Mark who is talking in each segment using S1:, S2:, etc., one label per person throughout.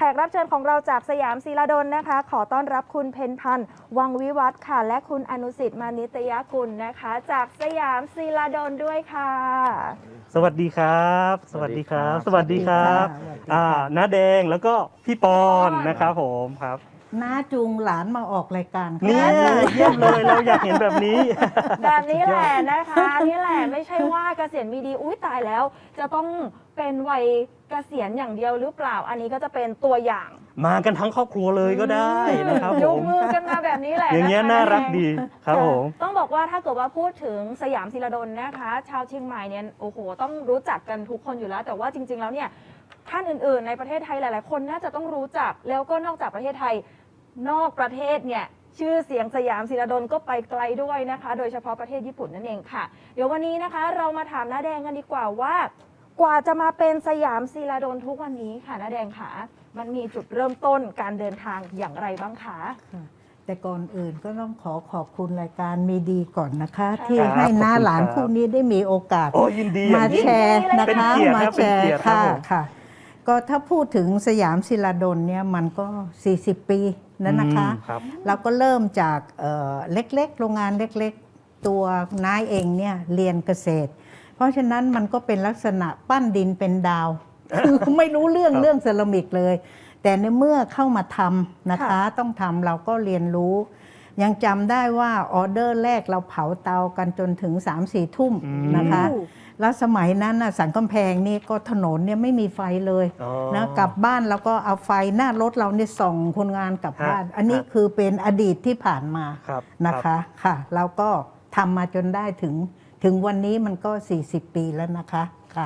S1: กรับเชิญของเราจากสยามศิลาดลนะคะขอต้อนรับคุณเพ็ญพันธ์วังวิวัฒน์ค่ะและคุณอนุสิทธิ์มานิตยกุลนะคะจากสยามศิลาดลด้วยค่ะ
S2: สวัสดีครับสวัสดีครับสวัสดีครับน้าแดงแล้วก็พี่ปอนนะครับผมครับ
S3: น้าจูงหลานมาออกรายการ
S2: เนี่ยเยี่ยมเลยเราอยากเห็นแบบนี้
S1: แบบนี้แหละนะคะนี่แหละไม่ใช่ว่าเกษียณมีดีอุ้ยตายแล้วจะต้องเป็นวัยเกษียณอย่างเดียวหรือเปล่าอันนี้ก็จะเป็นตัวอย่าง
S2: มากันทั้งครอบครัวเลยก็ได้นะครับผม
S1: ยกมือกันมาแบบนี้แหละ
S2: อย่างเงี้ยน่ารักดีครับผม
S1: ต้องบอกว่าถ้าเกิดว่าพูดถึงสยามศิลาดลนะคะชาวเชียงใหม่เนี่ยโอ้โหต้องรู้จักกันทุกคนอยู่แล้วแต่ว่าจริงๆแล้วเนี่ยท่านอื่นๆในประเทศไทยหลายๆคนน่าจะต้องรู้จักแล้วก็นอกจากประเทศไทยนอกประเทศเนี่ยชื่อเสียงสยามศิลาดลก็ไปไกลด้วยนะคะโดยเฉพาะประเทศญี่ปุ่นนั่นเองค่ะเดี๋ยววันนี้นะคะเรามาถามน้าแดงกันดีกว่าว่ากว่าจะมาเป็นสยามศิลาดลทุกวันนี้ค่ะน้าแดงค่ะมันมีจุดเริ่มต้นการเดินทางอย่างไรบ้างคะ
S3: แต่ก่อนอื่นก็ต้องขอบคุณรายการมีดีก่อนนะคะ ที่ให้น้าหลานคู่นี้ได้มีโอกาสมาแชร์นะคะมาแชร์ค่ะก็ถ้าพูดถึงสยามศิลาดลเนี่ยมันก็40 ปีแล้วนะคะเราก็เริ่มจากเล็กๆโรงงานเล็กๆตัวนายเองเนี่ยเรียนเกษตรเพราะฉะนั้นมันก็เป็นลักษณะปั้นดินเป็นดาวคือไม่รู้เรื่องเซรามิกเลยแต่ในเมื่อเข้ามาทำนะคะต้องทำเราก็เรียนรู้ยังจำได้ว่าออเดอร์แรกเราเผาเตากันจนถึง 3-4 ทุ่มนะคะแล้วสมัยนั้นน่ะสันกำแพงนี่ก็ถนนเนี่ยไม่มีไฟเลยนะกลับบ้านแล้วก็เอาไฟหน้ารถเราเนี่ยส่องคนงานกลับบ้านอันนี้คือเป็นอดีตที่ผ่านมานะคะค่ะเราก็ทำมาจนได้ถึงวันนี้มันก็40 ปีแล้วนะคะค่ะ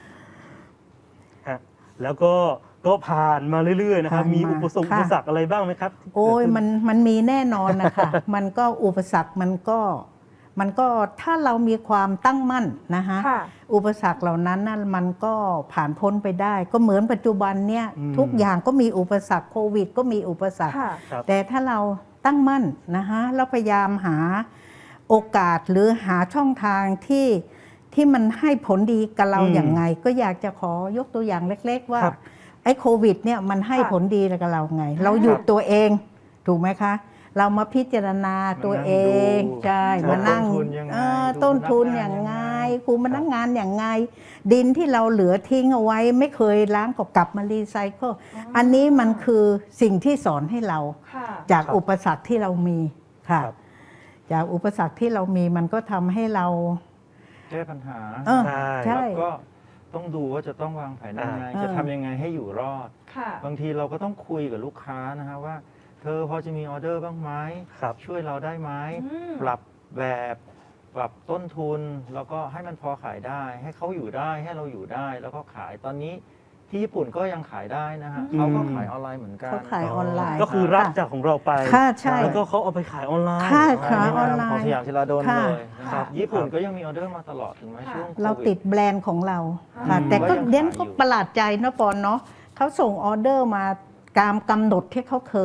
S2: แล้วก็ผ่านมาเรื่อยๆนะครับมีอุปสรรคอะไรบ้างไหมครับ
S3: โอ้ยมันมีแน่นอนนะคะมันก็อุปสรรคมันก็ถ้าเรามีความตั้งมั่นนะคะอุปสรรคเหล่านั้นนั่นมันก็ผ่านพ้นไปได้ก็เหมือนปัจจุบันเนี่ยทุกอย่างก็มีอุปสรรคโควิดก็มีอุปสรรคแต่ถ้าเราตั้งมั่นนะคะเราพยายามหาโอกาสหรือหาช่องทางที่มันให้ผลดีกับเราอย่างไงก็อยากจะขอยกตัวอย่างเล็กๆว่าไอ้โควิดเนี่ยมันให้ผลดีกับเราไงเราหยุดตัวเองถูกไหมคะเรามาพิจารณาตัวเองใช่มานั่งต้นทุนอย่างไงครูมานั่งงานอย่างไงดินที่เราเหลือทิ้งเอาไว้ไม่เคยล้างก็กลับมารีไซเคิลอันนี้มันคือสิ่งที่สอนให้เราจากอุปสรรคที่เรามีค่ะจากอุปสรรคที่เรามีมันก็ทำให้เรา
S4: แก้ปัญหา
S3: ใช่
S4: แล้วก็ต้องดูว่าจะต้องวางแผนยังไงจะทำยังไงให้อยู่รอดบางทีเราก็ต้องคุยกับลูกค้านะฮะว่าเธอพอจะมีออเดอร์บ้างไหมช่วยเราได้ไหมปรับแบบปรับต้นทุนแล้วก็ให้มันพอขายได้ให้เขาอยู่ได้ให้เราอยู่ได้แล้วก็ขายตอนนี้ที่ญี่ปุ่นก็ยังขายได้นะฮะเขาก็ขายออนไลน์เหมือนกัน
S3: เขาขายออนไลน์
S2: ก็คือรับจากของเราไปแล้วก็เขาเอาไปขายออนไลน์
S3: ขายออนไลน์
S4: ของสยามศิลาดลเลยนะครับญี่ปุ่นก็ยังมีออเดอร์มาตลอดถึงแม้ช่วง
S3: เราติดแบรนด์ของเราค่ะแต่ก็เด่นก็ประหลาดใจนะปอนเนาะเขาส่งออเดอร์มาตามกำหนดที่เขาเค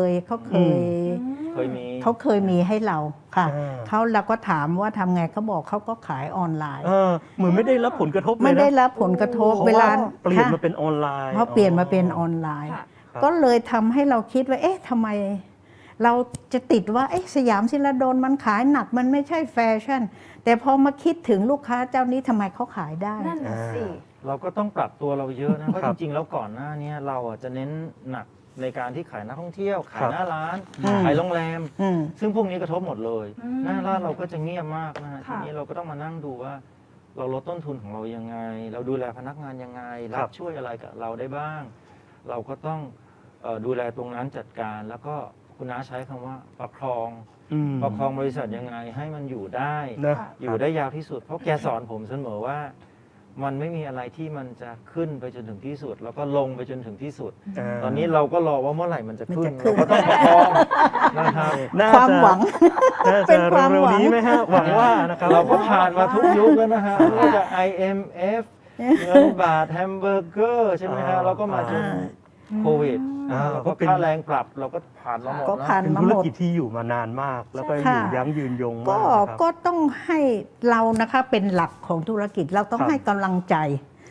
S3: ยมีให้เราค่ะเราก็ถามว่าทำไงเขาบอกเขาก็ขายออนไลน์
S2: เหมือนไม่ได้รับผลกระทบ
S3: ไม่ได้รับผลกระทบเวลา
S2: เปลี่ยนมาเป็นออนไลน์
S3: เพราะเปลี่ยนมาเป็นออนไลน์ก็เลยทำให้เราคิดว่าเอ๊ะทำไมเราจะติดว่าสยามศิลาดลมันขายหนักมันไม่ใช่แฟชั่นแต่พอมาคิดถึงลูกค้าเจ้านี้ทำไมเขาขายได้
S1: นั่นสิ
S4: เราก็ต้องปรับตัวเราเยอะนะเพราะจริงๆแล้วก่อนหน้านี้เราจะเน้นหนักในการที่ขายนักท่องเที่ยวขายหน้าร้านขายโรงแรมซึ่งพวกนี้กระทบหมดเลยหน้าร้านเราก็จะเงียบมากนะฮะทีนี้เราก็ต้องมานั่งดูว่าเราลดต้นทุนของเรายังไงเราดูแลพนักงานยังไงรับช่วยอะไรกับเราได้บ้าง เราก็ต้องดูแลตรงนั้นจัดการแล้วก็คุณน้าใช้คำว่าประคองบริษัทยังไงให้มันอยู่ได้อยู่ได้ยาวที่สุดเพราะแกสอนผมเสมอว่ามันไม่มีอะไรที่มันจะขึ้นไปจนถึงที่สุดแล้วก็ลงไปจนถึงที่สุดตอนนี้เราก็รอว่าเมื่อไหร่มันจะขึ้นเราก็ต้องประคองนะครับ
S3: ความหวัง
S2: เป็นความหวังไหมฮะหวังว่านะครับ
S4: เราก็ผ่านมาทุกยุคแล้วนะฮะไม่ว่าจะ IMF เงินบาทแฮมเบอร์เกอร์ใช่ไหมฮะเราก็มาจนโควิดเราก็ค่าแรงปรับเราก็ผ่านมาหมด
S2: เป็นธุรกิจที่อยู่มานานมากแล้วก็อยู่ยั้งยืนยงมาก
S3: ก็ต้องให้เรานะคะเป็นหลักของธุรกิจเราต้องให้กำลังใจ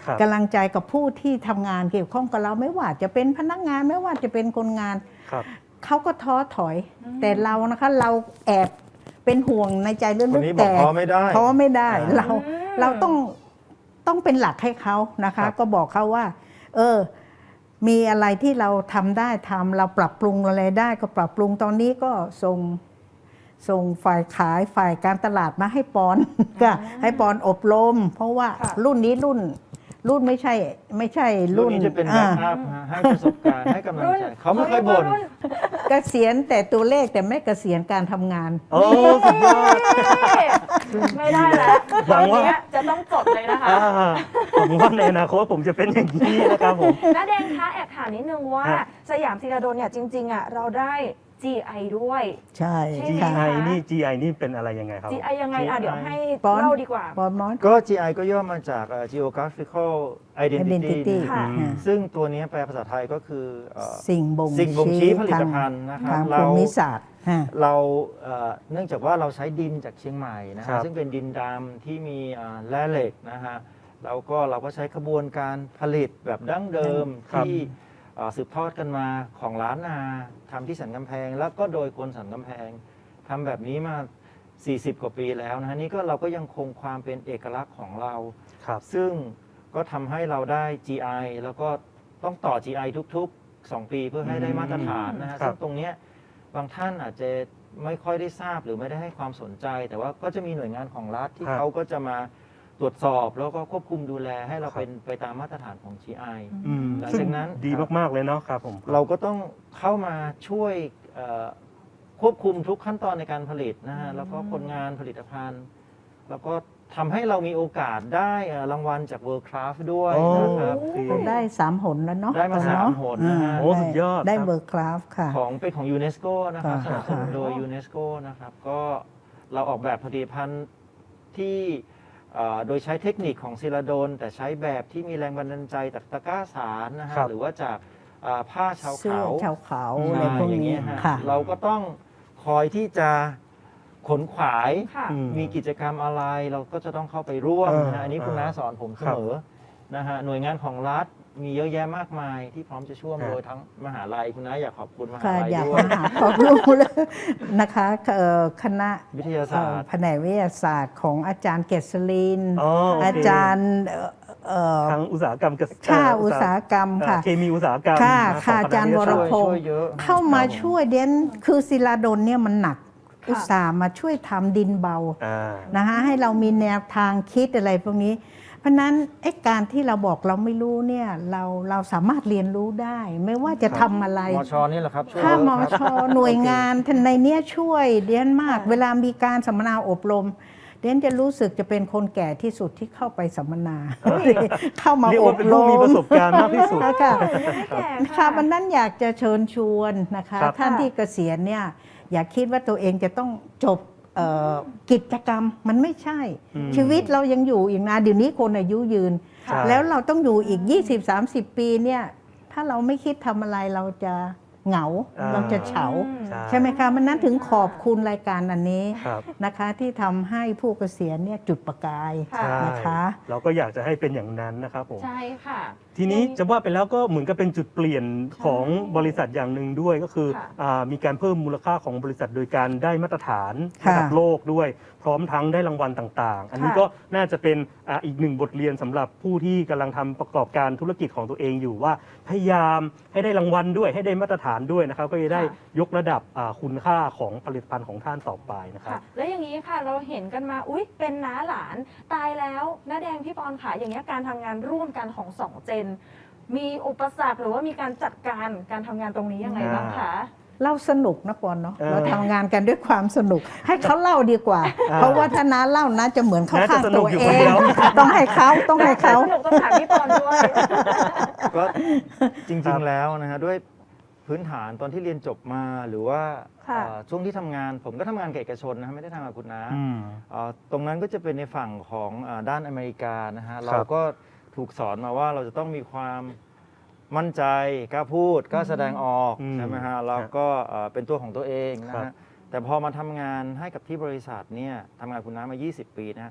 S2: ครับ
S3: กำลังใจกับผู้ที่ทำงานเกี่ยวข้องกับเราไม่ว่าจะเป็นพนักงานไม่ว่าจะเป็นคนงาน
S2: ครับ
S3: เขาก็ท้อถอย แต่เรานะคะเราแอบเป็นห่วงในใจลึ
S4: คน
S3: ก
S4: นี้
S3: ๆ
S4: บอก
S3: แต่
S4: ท้อไม่ได้
S3: ท้อไม่ได้
S4: อ่า
S3: เราต้องเป็นหลักให้เขานะคะ
S2: ครับ
S3: ก็บอกเขาว่า มีอะไรที่เราทำได้ทำเราปรับปรุงอะไรได้ก็ปรับปรุงตอนนี้ก็ส่งฝ่ายขายฝ่ายการตลาดมาให้ปอน ก็ให้ปอนอบรม เพราะว่า
S1: ค่ะ
S3: รุ่นนี้รุ่นไม่ใช่
S4: รุ่
S3: รุ่
S4: น
S3: น
S4: นี้จะเป็นแบ็คอัพให้ประสบการณ์ให้กำลังใจเขาไม่เคยบ่น
S3: เกษียณแต่ตัวเลขแต่ไม่เกษียณการทำงาน
S2: โอ้สุดยอด
S1: ไม่ได้แล้ว
S2: หวังว่า
S1: ตอนเนี้ยจะต้องจดเลยนะคะ
S2: ผมว่าในอนาคตผมจะเป็นอย่างนี้นะครับผม
S1: น้าแดงคะแอบถามนิดนึงว่า
S2: ฮะ
S1: สยามศิลาดลเนี่ยจริงๆอ่ะเราได้ GI ด้วย
S3: ใช่
S1: ใช่ไหม
S3: ค่ะ
S2: GI นี่ GI นี่เป็นอะไรยังไงครับ
S1: GI ยังไงอ่ะเดี๋ยวให้
S3: ปอน
S1: เล่าดีกว่า
S3: ปอนมอน
S4: ก็ GI ก็ย่อมาจาก geographical identity
S3: identity
S1: ค่ะ
S4: ซึ่งตัวนี้แปลภาษาไทยก็คือ
S3: สิ่งบ่ง
S4: สิ่งบ่งชี้ผลิต
S3: ทาง
S4: ภัณฑ์นะครับ
S3: ทาง
S4: เรา
S3: ภูมิศาสตร์ฮะ
S4: เราเนื่องจากว่าเราใช้ดินจากเชียงใหม่นะ
S2: ครั
S4: ฮะ
S2: บ
S4: ซึ่งเป็นดินดำที่มีแร่เหล็กนะฮะแล้วก็เราก็ใช้กระบวนการผลิตแบบดั้งเดิม
S2: ครับ
S4: ที่สืบทอดกันมาของล้านนาทำที่สันกำแพง แล้วก็โดยคนสันกำแพงทำแบบนี้มา 40 กว่าปีแล้วนะฮะนี่ก็เราก็ยังคงความเป็นเอกลักษณ์ของเรา
S2: ครับ
S4: ซึ่งก็ทำให้เราได้ GI แล้วก็ต้องต่อ GI ทุกๆ 2 ปีเพื่อให้ได้มาตรฐานนะฮะ
S2: ครับ
S4: ซึ่งตรงเนี้ยบางท่านอาจจะไม่ค่อยได้ทราบหรือไม่ได้ให้ความสนใจ แต่ว่าก็จะมีหน่วยงานของรัฐที่
S2: ครับ
S4: เขาก็จะมาตรวจสอบแล้วก็ควบคุมดูแลให้เรา
S2: ครับ
S4: เป็นไปตามมาตรฐานของ GI
S2: อืม
S4: หลัง
S2: ซึ่ง
S4: จากนั้น
S2: ดีมากๆเลยเนาะครับผม
S4: เราก็ต้องเข้ามาช่วยควบคุมทุกขั้นตอนในการผลิตนะฮะแล้วก็คนงานผลิตภัณฑ์ แล้วก็ทำให้เรามีโอกาสได้รางวัลจาก World Craft ด้วยนะครับ
S2: โอเค
S3: ก็ได้3 หนแล้วเนาะ
S4: ได้มาสามหนนะฮะ
S2: โอ้สุดยอด
S3: ได้
S2: ครับ
S3: เบอร์คราฟค่ะ
S4: ของเป็นของยูเนสโกนะครับส
S3: ค่ะ
S4: นับสนุนโดยยูเนสโกนะครับก็เราออกแบบผลิตภัณฑ์ที่โดยใช้เทคนิคของศิลาดลแต่ใช้แบบที่มีแรงบันดาลใจจากตะกร้าสารนะฮะ
S2: ครับ
S4: หรือว่าจากผ้าชาว
S3: เสื้อ
S4: เขา
S3: ชาวเขา
S2: อืม
S3: อะไรพวก
S4: อย่าง
S3: นี้
S4: เงี้ยฮะ
S3: ค่ะ
S4: เราก็ต้องคอยที่จะขนขวาย
S1: ค่ะ
S2: อืม
S4: มีกิจกรรมอะไรเราก็จะต้องเข้าไปร่วมนะฮะอันนี้คุณน้าสอนผมเสมอนะฮะหน่วยงานของรัฐมีเยอะแยะมากมายที่พร้อมจะช่วย
S2: ครับ
S4: โดยทั้งมหาลัยคุณน้าอยากขอบคุณมหา
S3: ค่ะ
S4: ลัย
S3: อยาก
S4: ด้วย
S3: มาหาความรู้เลยนะคะคณะ
S4: วิทยาศาสตร์
S3: แผนกวิทยาศาสตร์ของอาจารย์เกษรินทร์
S2: อ๋อโอเค
S3: อาจารย์
S2: ทางอุตสาหกรรมเกษตร
S3: ค่าอุตสาหกรรมค่ะ
S2: เคมีอุตสาหกรรม
S3: ค่ะ
S2: นะ
S3: ค่ะ
S2: ขง
S3: อาจารย์
S2: คณะ
S3: วรพงษ์
S4: ช่วยเยอะ
S3: เข้ามาช่วยเด่นคือศิลาดลเนี่ยมันหนัก
S1: ค่ะ
S3: อุตส่าห์มาช่วยทำดินเบา
S2: อ่า
S3: นะคะให้เรามีแนวทางคิดอะไรพวกนี้ เพราะฉะนั้นไอ้การที่เราบอกเราไม่รู้เนี่ยเราสามารถเรียนรู้ได้ ไม่ว่าจะทำอะไร
S4: มชนี่แหละครับช่วย
S3: ถ้า
S4: เยอะ
S3: ม
S4: ครับ
S3: ชหน่วยงานท่านในเนี้ยช่วยเดียนมาก เวลามีการสัมมนาอบรม เดียนจะรู้สึกจะเป็นคนแก่ที่สุดที่เข้าไปสัมมนา เข้ามา
S2: เรียก
S3: อ
S2: ว่า
S3: บ
S2: เป็น
S3: ร
S2: ผู้มี
S3: ม
S2: ประสบการณ์มากที่สุด
S3: ค่ะ
S1: ไม่แก่
S3: ค่ะวันนั้นอยากจะเชิญชวนนะคะ
S2: ครับ
S3: ท่านที่เกษียณเนี่ยอย่าคิดว่าตัวเองจะต้องจบกิจกรรมมันไม่ใช่
S2: อืม
S3: ชีวิตเรายังอยู่อีกนานเดี๋ยวนี้คนอายุยืน
S2: ใช่
S3: แล้วเราต้องอยู่อีก 20-30 ปีเนี่ยถ้าเราไม่คิดทำอะไรเราจะเหงา เราจะเฉา ใช่ไหมคะมันนั้นถึงขอบคุณรายการอันนี้
S2: ครับ
S3: นะคะที่ทำให้ผู้เกษียณเนี่ยจุดประกาย
S1: ค่ะ
S2: ใช่
S3: นะคะ
S2: เราก็อยากจะให้เป็นอย่างนั้นนะครับผม
S1: ใช่ค่ะ
S2: ทีนี้จะว่าไปแล้วก็เหมือนกับเป็นจุดเปลี่ยนของบริษัทอย่างหนึ่งด้วยก็คือ
S1: ค่ะ
S2: มีการเพิ่มมูลค่าของบริษัทโดยการได้มาตรฐาน
S3: ค่ะ
S2: ระดับโลกด้วย พร้อมทั้งได้รางวัลต่างๆ อันนี้
S1: ค่ะ
S2: ก็น่าจะเป็นอีกหนึ่งบทเรียนสำหรับผู้ที่กำลังทำประกอบการธุรกิจของตัวเองอยู่ว่าพยายามให้ได้รางวัลด้วยให้ได้มาตรฐานด้วยนะครับ ก็จะได้ยกระดับคุณค่าของผลิตภัณฑ์ของท่านต่อไปนะครับ
S1: ค่ะแล้วอย่างนี้ค่ะเราเห็นกันมาอุ๊ยเป็นน้าหลานตายแล้วน้าแดงพี่ปอนค่ะอย่างเงี้ยการทำงานร่วมกันของสองเจน มีอุปสรรคหรือว่ามีการจัดการการทำงานตรงนี้ยังไงบ้างคะ
S3: เราสนุกนะปอนเนาะ
S2: เออ
S3: เราทำงานกันด้วยความสนุก ให้เขาเล่าดีกว่า เพราะว่าถ้าน้าเล่านะจะเหมือนเขา
S2: น้าจะ
S3: ข้าง
S2: สนุ
S3: ตั
S2: ก
S3: ว
S2: อยู่
S3: เอ
S2: คนเดี
S3: ง
S2: ยว
S3: ต้องให้เขาต้องให้เขา
S1: สนุกต้องถามพี่ปอนด้วย
S4: ก็จริงๆแล้วนะฮะด้วยพื้นฐานตอนที่เรียนจบมาหรือว่า
S1: ค่ะ
S4: ช่วงที่ทำงานผมก็ทำงานกับเอกชนนะฮะไม่ได้ทำกับคุณน้า
S2: อืม
S4: ตรงนั้นก็จะเป็นในฝั่งของด้านอเมริกานะฮะ
S2: ครับ
S4: เราก็ถูกสอนมาว่าเราจะต้องมีความมั่นใจกล้าพูดกล้าแสดงออก
S2: อืม
S4: ใช่ไหมฮะแล้วก็เป็นตัวของตัวเองนะ
S2: ครั
S4: ฮะ
S2: บ
S4: แต่พอมาทำงานให้กับที่บริษัทเนี่ยทำงานคุณน้ามา 20 ปีนะฮะ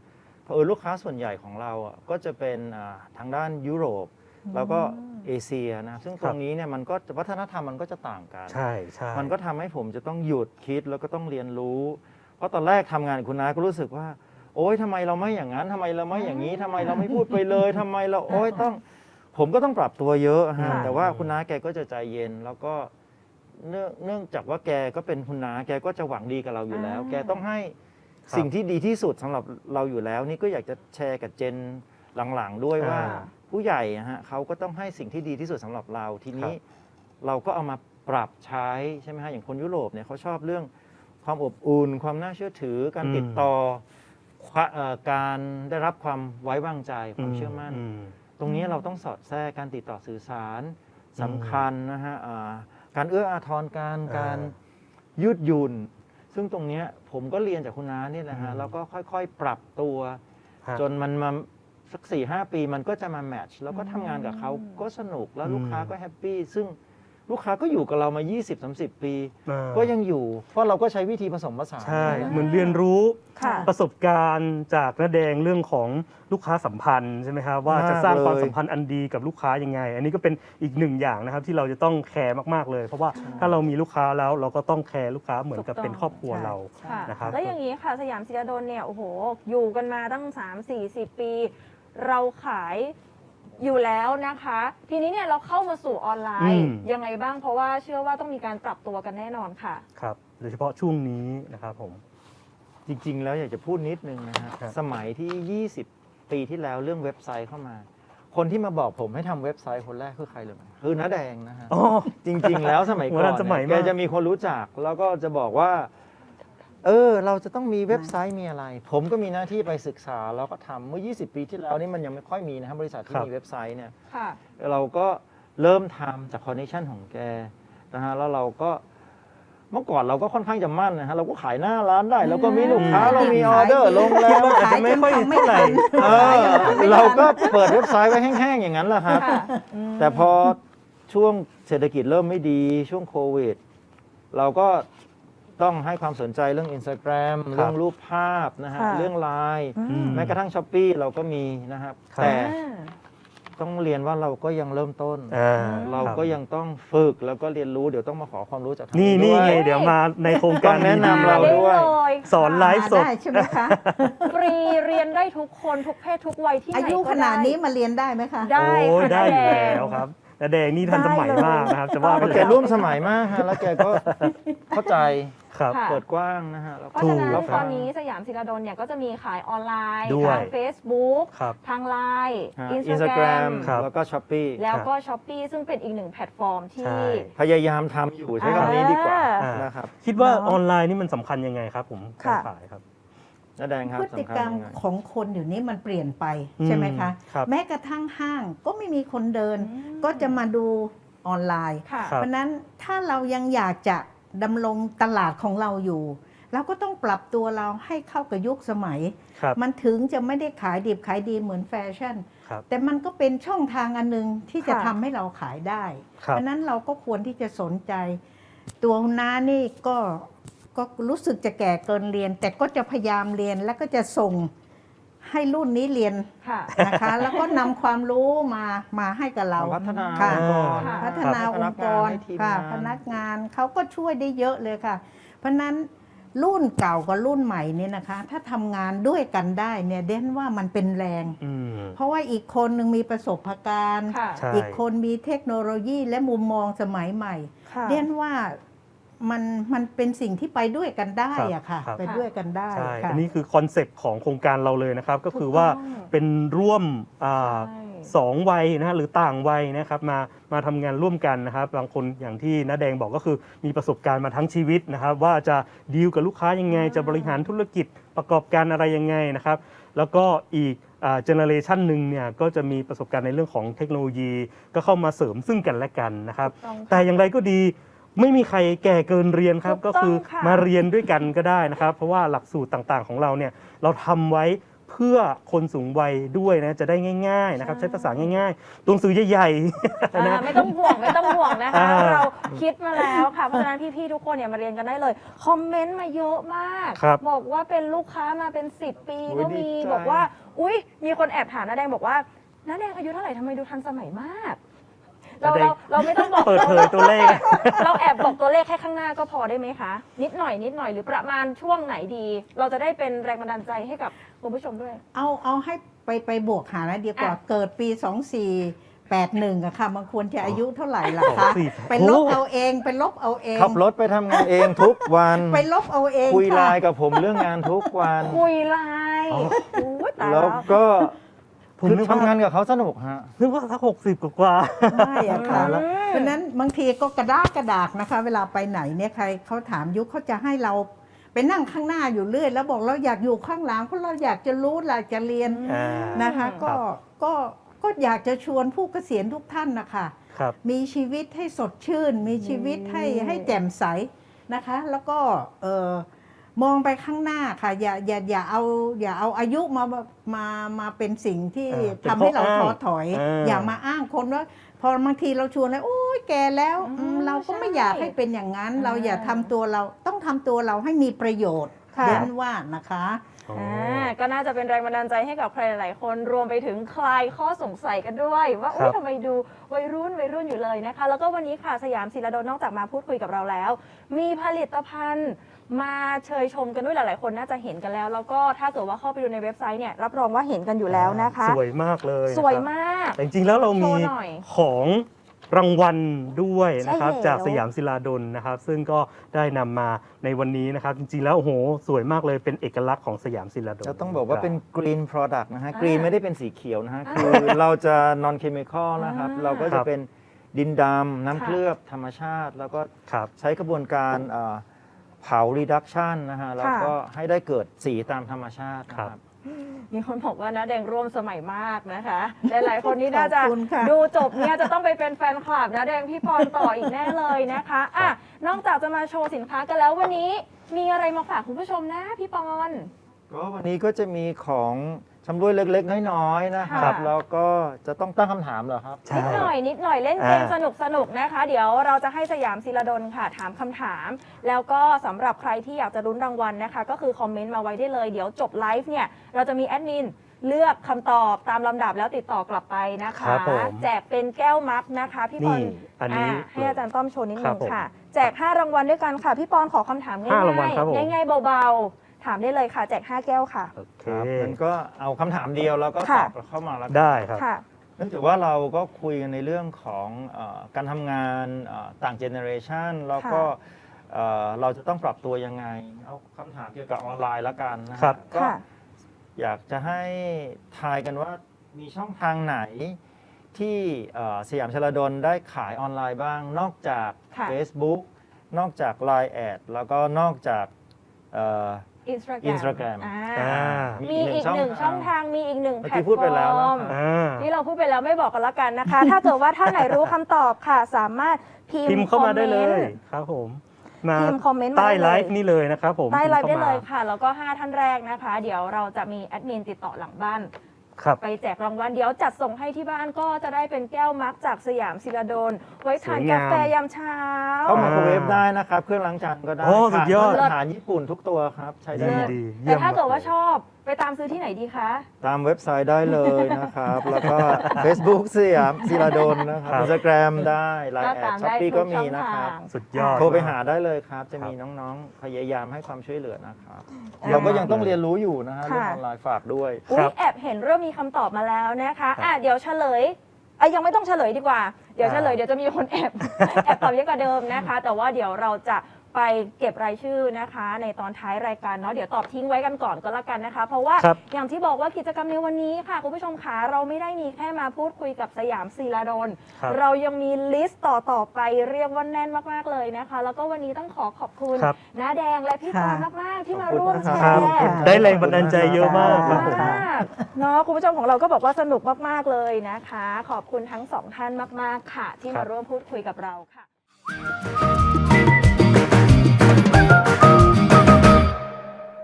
S4: ลูกค้าส่วนใหญ่ของเราอ่ะก็จะเป็นทางด้านยุโรปแล้วก็เอเชียนะซึ่งตรงนี้เนี่ยมันก็วัฒนธรรมมันก็จะต่างกัน
S2: ใช่ใช่
S4: มันก็ทำให้ผมจะต้องหยุดคิดแล้วก็ต้องเรียนรู้ เพราะตอนแรกทำงานกับคุณน้าก็รู้สึกว่า โอ๊ยทำไมเราไม่อย่างนั้นทำไมเราไม่อย่างนี้ทำไมเราไม่พูดไปเลยทำไมเราโอ๊ยผมก็ต้องปรับตัวเยอะฮะ
S1: ค่ะ
S4: แต่ว่าคุณน้าแกก็จะใจเย็น แล้วก็เนื่องจากว่าแกก็เป็นคุณน้าแกก็จะหวังดีกับเราอยู่แล้ว แกต้องให้สิ่งที่ดีที่สุดสำหรับเราอยู่แล้ว นี่ก็อยากจะแชร์กับเจนหลังๆด้วยว่า ผู้ใหญ่ฮะเขาก็ต้องให้สิ่งที่ดีที่สุดสำหรับเราทีนี้เราก็เอามาปรับใช้ใช่ไหมฮะอย่างคนยุโรปเนี่ยเขาชอบเรื่องความอบอุ่น ความน่าเชื่อถือการติดต่อการได้รับความไว้วางใจความเชื่อมั่น ตรงนี้เราต้องสอดแทรกการติดต่อสื่อสารสำคัญนะฮะการเอื้ออาทรการยืดหยุ่น ซึ่งตรงนี้ผมก็เรียนจากคุณน้านี่แหละฮะแล้วก็ค่อยๆปรับตัวจนมันมาสัก 4-5 ปีมันก็จะมาแมทช์แล้วก็ทำงานกับเขาก็สนุกแล้วลูกค้าก็แฮปปี้ซึ่งลูกค้าก็อยู่กับเรามา 20-30 ปี ก็ยังอยู่ เพราะเราก็ใช้วิธีผสมผสาน
S2: ใช่เหมือนเรียนรู้
S1: ค่ะ
S2: ประสบการณ์จากน้าแดงเรื่องของลูกค้าสัมพันธ์ใช่ไหมครับว่าจะสร้างความสัมพันธ์อันดีกับลูกค้ายังไง อันนี้ก็เป็นอีกหนึ่งอย่างนะครับที่เราจะต้องแคร์มากๆเลย เพราะว่าถ้าเรามีลูกค้าแล้วเราก็ต้องแคร์ลูกค้าเหมือนกับเป็นครอบครัวเรา
S1: ค่ะ
S2: นะครับ
S1: แล้วอย่างนี้ค่ะสยามศิลาดลเนี่ยโอ้โหอยู่กันมาตั้ง 3-40 ปี เราขายอยู่แล้วนะคะ ทีนี้เนี่ยเราเข้ามาสู่ออนไลน์ยังไงบ้างเพราะว่าเชื่อว่าต้องมีการปรับตัวกันแน่นอนค่ะ
S2: ครับโดยเฉพาะช่วงนี้นะครับผม
S4: จริงๆ แล้วอยากจะพูดนิดนึงนะฮะ
S2: ครับ
S4: สมัยที่ 20 ปีที่แล้วเรื่องเว็บไซต์เข้ามา คนที่มาบอกผมให้ทำเว็บไซต์คนแรกคือใครเลยคือน้าแดงนะฮะ
S2: อ๋อ
S4: จริง ๆ แล้วสมัยก่อน
S2: โบราณสมัย
S4: เนี่ย
S2: มาก
S4: แกจะมีคนรู้จักแล้วก็จะบอกว่า เราจะต้องมีเว็บไซต์มีอะไร ผมก็มีหน้าที่ไปศึกษาแล้วก็ทำเมื่อ 20 ปีที่แล้วนี่มันยังไม่ค่อยมีนะครับบริษัทที่มีเว็บไซต์เนี่ย
S1: ค่ะ
S4: เราก็เริ่มทำจากคอนเนคชั่นของแกนะฮะแล้วเราก็เมื่อก่อนเราก็ค่อนข้างจะมั่นนะฮะเราก็ขายหน้าร้านได้แล้วก็มีลูกค้าเรามีออเดอร์ลงแล้ว
S2: อาจจะไม่ค่อยเท่าไหร่
S4: เราก็เปิดเว็บไซต์ไว้แห้งๆอย่างนั้นแหละครับ
S1: ค่ะ
S4: แต่พอช่วงเศรษฐกิจเริ่มไม่ดีช่วงโควิด เราก็ต้องให้ความสนใจเรื่อง Instagram เรื่องรูปภาพนะฮะ
S1: ค่ะ
S4: เรื่องไลน์
S1: อืม
S4: แม้กระทั่ง Shopee เราก็มีนะครับ
S2: ครับ
S4: แต่ต้องเรียนว่าเราก็ยังเริ่มต้น เราก็
S2: คบ
S4: ยังต้องฝึกแล้วก็เรียนรู้เดี๋ยวต้องมาขอความรู้จากทาง
S2: นี่
S4: ด้วย
S2: ไงเดี๋ยวมาในโครงการ
S4: ต้องแนะนำเรา ด้วย
S2: สอนไลฟ์สด
S3: ได้ใช่ไหมคะ
S1: ฟรีเรียนได้ทุกคนทุกเพศทุกวัยที่ไหน
S3: อายุ
S1: ก็
S3: ขนาดนี้มาเรียนได้ไหมคะ
S1: ได้
S2: โอ้ย
S1: ค่ะ
S2: ได้อยู่
S1: น้าดง
S2: แล้วครับน้าแดงนี่ทันสมัยมากนะครับจะว่า
S4: เพราะแกร่วมสมัยมากฮะแล้วแกก็เข้าใจ
S2: ครับ
S1: ค่ะ
S4: เปิดกว้างนะฮะแล้ว
S1: เพ
S4: ก็
S1: ราะฉะนั้น
S2: ถูก
S1: ตอนนี้สยามศิลาดลเนี่ยก็จะมีขายออนไลน์
S2: ด้วย
S1: ทาง Facebook
S2: ครับ
S1: ทางไลน์
S4: อินสตาแกรม
S1: Instagram
S2: ครับ
S4: แล้วก็ช้อปปี้
S1: แล้วก็ Shopee ซึ่งเป็นอีกหนึ่งแพลตฟอร์มที่
S2: ใช่
S4: พยายามทำอยู่ใช้คำนี้ดีกว่า
S2: อ่าน
S4: นะครับ
S2: คิดว่า
S3: เนาะ
S2: ออนไลน์นี่มันสำคัญยังไงครับผมการ
S1: ค่ะ
S2: ขายครับ
S4: น้าแดงครับ
S3: พฤติ
S4: สำคัญ
S3: กรรม
S4: ยังไง
S3: ของคนอยู่นี้มันเปลี่ยนไป
S2: อืม
S3: ใช่ไหมคะ
S2: ครับ
S3: แม้กระทั่งห้างก็ไม่มีคนเดิน
S1: อืม
S3: ก็จะมาดูออนไลน์
S1: ค่ะ
S2: ครับ
S3: เพราะฉะนั้นถ้าเรายังอยากจะดำรงตลาดของเราอยู่ เราก็ต้องปรับตัวเราให้เข้ากับยุคสมัย
S2: ครับ
S3: มันถึงจะไม่ได้ขายดิบขายดีเหมือนแฟชั่น
S2: ครับ
S3: แต่มันก็เป็นช่องทางอันหนึงที่จะ
S1: ค่ะ
S3: ทำให้เราขายได้
S2: ครับ
S3: เพราะฉะนั้นเราก็ควรที่จะสนใจ ตัวคุณน้านี่ก็รู้สึกจะแก่เกินเรียน แต่ก็จะพยายามเรียนแล้วก็จะส่งให้รุ่นนี้เรียน
S1: ค่ะ
S3: นะคะ แล้วก็นำความรู้มาให้กับเรา
S4: พัฒนา
S3: ค่ะ
S4: องค์กร
S1: ค่ะ
S3: พัฒนาองค์กร
S4: ให้ทีม
S3: ค่ะ
S4: งาน
S3: พนักงานเขาก็ช่วยได้เยอะเลยค่ะ เพราะฉะนั้นรุ่นเก่ากับรุ่นใหม่เนี่ยนะคะ ถ้าทำงานด้วยกันได้เนี่ยเด่นว่ามันเป็นแรง
S2: อืม
S3: เพราะว่าอีกคนหนึ่งมีประสบการณ์
S1: ค่ะ
S2: ใช่
S3: อีกคนมีเทคโนโลยีและมุมมองสมัยใหม่
S1: ค่ะ
S3: เด่นว่ามันเป็นสิ่งที่ไปด้วยกันได้อะค่ะ
S2: ครับ
S3: ไปด้วยกันได้
S2: ใช่
S3: ค่ะ
S2: อันนี้คือคอนเซปต์ของโครงการเราเลยนะครับ ก็คือ
S1: ถูกต้อง
S2: ว่าเป็นร่วม
S1: ใช่
S2: สองวัยนะฮะหรือต่างวัยนะครับมาทำงานร่วมกันนะครับบางคนอย่างที่น้าแดงบอกก็คือมีประสบการณ์มาทั้งชีวิตนะครับ ว่าจะดีลกับลูกค้ายังไง จะบริหารธุรกิจประกอบการอะไรยังไงนะครับ แล้วก็อีกเจเนอเรชันหนึ่งเนี่ยก็จะมีประสบการณ์ในเรื่องของเทคโนโลยี ก็เข้ามาเสริมซึ่งกันและกันนะครับ
S1: ถูกต้องค่ะ
S2: แต่อย่างไรก็ดีไม่มีใครแก่เกินเรียนครับ
S1: ถู
S2: ก็
S1: กต้อง
S2: คือ
S1: ค่ะ
S2: มาเรียนด้วยกันก็ได้นะครับ เพราะว่าหลักสูตรต่างๆของเราเนี่ยเราทำไว้เพื่อคนสูงวัยด้วยนะจะได้ง่ายๆนะครับ
S1: ใช่
S2: ใช้ภาษาง่ายๆตัวหนังสือใหญ่ๆนะ
S1: ไม่ต้องห่วงไม่ต้องห่วงนะคะ
S2: อ่า
S1: เราคิดมาแล้วค่ะเพราะฉะนั้นพี่ๆทุกคนเนี่ยมาเรียนกันได้เลยคอมเมนต์มาเยอะมาก
S2: ครับ
S1: บอกว่าเป็นลูกค้ามาเป็น10 ปี
S4: โอ้ย
S1: ก็มี
S4: ดีใจ
S1: บอกว่าอุ๊ยมีคนแอบถามน้าแดงบอกว่าน้าแดงอายุเท่าไหร่ทำไมดูทันสมัยมาก เรา
S2: น้าแดง
S1: เราไม่ต้องบอก
S2: เปิดเผยตัวเลข
S1: เราแอบบอกตัวเลขแค่ข้างหน้าก็พอได้ไหมคะ นิดหน่อยหรือประมาณช่วงไหนดี เราจะได้เป็นแรงบันดาลใจให้กับคุณผู้ชมด้วย
S3: เอาให้ไปบวกหานะดีกว่า
S1: อ่ะ
S3: เกิดปี 2481อะค่ะมันควรจะอายุเท่าไหร่ล่ะคะ
S2: 24
S3: ไปลบเอาเองไปลบเอาเอง
S4: ขับรถไปทำงานเองทุกวัน
S3: ไปลบเอาเอง
S4: คุยไล
S3: ค่ะ
S4: น์กับผมเรื่องงานทุกวัน
S1: คุยไลน์
S2: อ๋อ
S1: อุ๊ยตาย
S4: แล้
S1: แล้ว ว
S4: ก็
S2: ผม
S4: คือ
S2: นึกว่า
S4: ทำงานกับเขาสนุกฮะ
S2: นึกว่าสัก60 กว่า
S3: ไม่อะค่ะ
S1: อืม
S3: เพราะฉะนั้นบางทีก็กระดากนะคะ เวลาไปไหนเนี่ยใครเขาถามยุคเขาจะให้เราไปนั่งข้างหน้าอยู่เรื่อยแล้วบอกเราอยากอยู่ข้างหลังเพราะเราอยากจะรู้อยากจะเรียน
S2: อ่า
S3: นะคะ
S2: ครับ
S3: ก็อยากจะชวนผู้เกษียณทุกท่านนะคะ
S2: ครับ
S3: มีชีวิตให้สดชื่น มีชีวิตให้แจ่มใสนะคะ แล้วก็มองไปข้างหน้าค่ะ อย่าเอาอายุมาเป็นสิ่งที่
S2: เป็น
S3: ทำให้เรา
S2: ข้ออ้าง
S3: ท้อถอย
S2: า
S3: อย่ามาอ้างคนว่าพอบางทีเราชวนแล้วโอ้ยแกแล้วเราก็ไม่อยากให้เป็นอย่างนั้น เราอย่าทำตัวเราต้องทำตัวเราให้มีประโยชน์
S1: ค่ะ
S3: เน้นว่านะคะ
S2: อ๋อ
S1: ก็น่าจะเป็นแรงบันดาลใจให้กับใครหลายๆคนรวมไปถึงคลายข้อสงสัยกันด้วย ว่า
S2: ครั
S1: อุ๊ย
S2: บ
S1: ทำไมดูวัยรุ่นอยู่เลยนะคะ แล้วก็วันนี้ค่ะสยามศิลาดลนอกจากมาพูดคุยกับเราแล้ว มีผลิตภัณฑ์มาเชยชมกันด้วยหลายๆคนน่าจะเห็นกันแล้ว แล้วก็ถ้าเกิดว่าเข้าไปดูในเว็บไซต์เนี่ยรับรองว่าเห็นกันอยู่แล้วนะคะ
S2: สวยมากเลยนะครับ
S1: สวยมาก
S2: แต่จริงๆแล้วเรามี
S1: โชว์หน่อย
S2: ของรางวัลด้วยนะครับ
S1: ใช่แล้ว
S2: จากสยามศิลาดลนะครับ ซึ่งก็ได้นำมาในวันนี้นะครับ จริงๆแล้วโอ้โหสวยมากเลยเป็นเอกลักษณ์ของสยามศิลาดล
S4: จะต้องบอกว่าเป็น green product นะฮะ
S1: อ่า
S4: green ไม่ได้เป็นสีเขียวนะฮะ
S1: อ่า
S4: คือเราจะ non chemical นะครับ
S1: อ่า
S4: เราก็
S2: ค
S4: จะ
S2: รับ
S4: เป็นดินดำน้ำ
S1: ค่ะ
S4: เคลือบธรรมชาติ แล้วก็
S2: ครับ
S4: ใช้กระบวนการเผา reduction นะฮะ แล้วก็ให้ได้เกิดสีตามธรรมชาตินะค
S2: ครั
S4: รับ
S2: บ
S1: มีคนบอกว่านะแดงร่วมสมัยมากนะคะ หลายๆคนนี่น่าจะ
S3: ขอบคุณค่ะ
S1: ดูจบเนี่ยจะต้องไปเป็นแฟนคลับนะแดงพี่ปอนต่ออีกแน่เลยนะคะอ่ะนอกจากจะมาโชว์สินค้ากันแล้ววันนี้ มีอะไรมาฝากคุณผู้ชมนะพี่ปอน
S4: ก็วันนี้ก็จะมีของชำร่วยเล็กๆ น้อยๆ นะครับ
S1: ค่ะ
S4: แล้วก็จะต้องตั้งคำถามเหรอครับ
S2: ใช่
S1: นิดหน่อยเล่นเกม
S2: อ่า
S1: สนุกนะคะ เดี๋ยวเราจะให้สยามศิลาดลค่ะถามคำถาม แล้วก็สำหรับใครที่อยากจะลุ้นรางวัลนะคะ ก็คือคอมเมนต์มาไว้ได้เลย เดี๋ยวจบไลฟ์เนี่ยเราจะมีแอดมินเลือกคำตอบตามลำดับแล้วติดต่อกลับไปนะคะ
S2: ครับผม
S1: แจกเป็นแก้วมักนะคะพี่ปอน
S2: นี่อันนี้
S1: ให้อาจารย์ต้อมโชว์นิด
S2: ค
S1: นึ
S2: รับ
S1: ง
S2: ผม
S1: ค่ะ แจก 5 รางวัลด้วยกันค่ะ พี่ปอนขอคำถามง่
S2: ห้ารางวัลครับผม
S1: ายๆง่ายๆเบาๆ ถามได้เลยค่ะ แจก 5 แก้วค่ะ
S2: โอเค
S4: ครับงั้นก็เอาคำถามเดียวแล้วก็ต
S1: ค่ะ
S4: อบเข้ามาแล้วกัน
S2: ได้ครับ
S1: ค่ะ
S4: เนื่องจากว่าเราก็คุยกันในเรื่องของการทำงานต่างเจเนอเรชันแล้วก็เราจะต้องปรับตัวยังไง เอาคำถามเกี่ยวกับออนไลน์แล้วกันนะฮะ
S2: ครับ
S4: ก็
S1: ค่ะ
S4: อยากจะให้ทายกันว่ามีช่องทางไหนที่สยามชลดลได้ขายออนไลน์บ้าง นอกจาก
S1: ค่ะ
S4: Facebook นอกจาก Line แอดแล้วก็นอกจาก
S1: Instagram
S2: อ่า
S1: มีอีกหนึ่งช่องทางมีอีกหนึ่ง
S4: เมื่อ
S1: แพล
S4: กี้
S1: ต
S4: พูด
S1: ฟ
S4: ไป
S1: อ
S4: แล้วนะ
S1: ร์ม
S4: ครับ
S2: อ่า
S1: ที่เราพูดไปแล้วไม่บอกกันละกันนะคะ ถ้าเกิดว่าท่านไหนรู้คำตอบค่ะ สามารถพิ
S2: พิมพ์เข้ามาได้เลย
S1: คอมมนต์
S2: ครับผม มา
S1: พิมพ์คอมเมนต์มา
S2: ใต้
S1: ได้เลย
S2: ไลฟ์นี่เลยนะครับผม
S1: ใต้ไลฟ์
S2: พิ
S1: ได้
S2: มพ์
S1: เล
S2: ข้าย
S1: ค่ะ แล้วก็ 5 ท่านแรกนะคะ เดี๋ยวเราจะมีแอดมินติดต่อหลังบ้าน
S2: ครับ
S1: ไปแจกรางวัลเดี๋ยวจัดส่งให้ที่บ้านก็จะได้เป็นแก้วมักจากสยามศิลาดลไว้ทาน
S2: สวยงาม
S1: กาแฟยามเช้า
S4: เข้าไมโครเวฟได้นะครับ เครื่องล้างจานก็ได้
S2: โอ้สุดยอด
S4: ผ่านมาตรฐานญี่ปุ่นทุกตัวครับ ใช้ได้
S2: ดี
S4: หมด
S2: ดี
S1: แต่ถ้าเกิด
S2: ยี่ยม
S1: ว่าชอบไปตามซื้อที่ไหนดีคะ
S4: ตามเว็บไซต์ได้เลยนะครับ แล้วก็ Facebook สยามศิลาดลนะครับ
S2: ครับ
S4: Instagram ได้ไล
S1: ก็
S4: น์แอด
S1: ตาม
S4: ช้อป
S1: ได้
S4: ปี้
S1: ทุ
S4: ก็
S1: ก
S4: มี
S1: ช่อง
S4: นะค
S1: ทา
S4: รับ
S1: ง
S2: สุดยอด
S4: โทรไปหาได้เลยครับ จะมี
S2: ครับ
S4: น้องๆ พยายามให้ความช่วยเหลือนะครับ
S1: อ่า
S4: เราก็ยังต้องเรียนรู้อยู่นะฮะเรื่อง
S1: ค่ะ
S4: ออนไลน์ฝากด้วย
S1: อุ๊
S2: ครั
S1: ย
S2: บ
S1: แอบเห็นเริ่มมีคำตอบมาแล้วนะคะ
S2: ครับ
S1: เดี๋ยวเฉลยยังไม่ต้องเฉลยดีกว่า เดี๋ยวเฉลยเดี๋ยวจะมีคนแอบ แอบตอบเยอะกว่าเดิมนะคะ แต่ว่าเดี๋ยวเราจะไปเก็บรายชื่อนะคะ ในตอนท้ายรายการเนาะเดี๋ยวตอบทิ้งไว้กันก่อนก็แล้วกันนะคะ เพราะว่า
S2: ครับ
S1: อย่างที่บอกว่ากิจกรรมในวันนี้ค่ะคุณผู้ชมคะเราไม่ได้มีแค่มาพูดคุยกับสยามศิลาดล
S2: ครับ
S1: เรายังมีลิสต์ต่อไปเรียกว่าแน่นมากๆเลยนะคะ แล้วก็วันนี้ต้องขอบคุณ
S2: ครับ
S1: น้าแดงและพี่ปอน
S3: ค่ะ
S1: มากๆที่มา
S4: ขอบคุณ
S1: ร่วม
S4: นะ
S1: แช
S4: ครับ
S1: ร์
S2: ได้แรงบันดาลใจเยอะมากครับผม
S1: มากเนาะคุณผู้ชมของเราก็บอกว่าสนุกมากๆเลยนะคะ ขอบคุณทั้งสองท่านมากๆค่ะ ที่
S2: ครั
S1: มา
S2: บ
S1: ร่วมพูดคุยกับเราค่ะ